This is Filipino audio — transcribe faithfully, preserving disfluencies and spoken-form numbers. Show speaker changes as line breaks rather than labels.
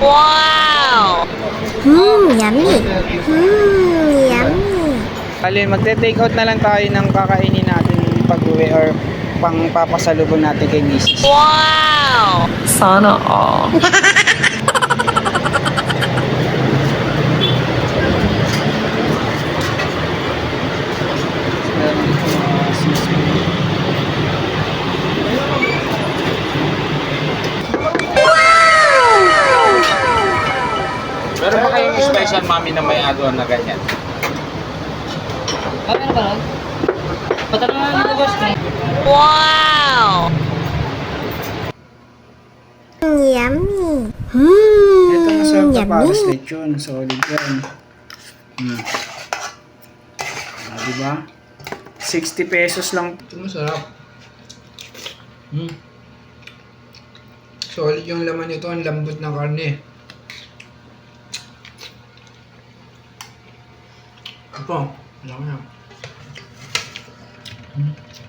Wow!
Hmm, yummy. Hmm, yummy.
Bali, magte-take out na lang tayo ng kakainin natin pag-uwi or pang papasalubong natin kay misis.
Wow!
Sana all.
Meron dito mga sisig.
Meron ba kayong special mami na may add-on na ganyan?
Ah, meron ba nun? Patanong na nito, boss.
Wow!
Hmm, yummy. Hmm,
Ito masarap na para
yummy.
sa lechon. Solid yan. Hmm. Ah, diba? sixty pesos lang.
Ito masarap. Hmm. Solid yung laman nito, ang lambot ng karne. Ito, alam mo na. Hmm.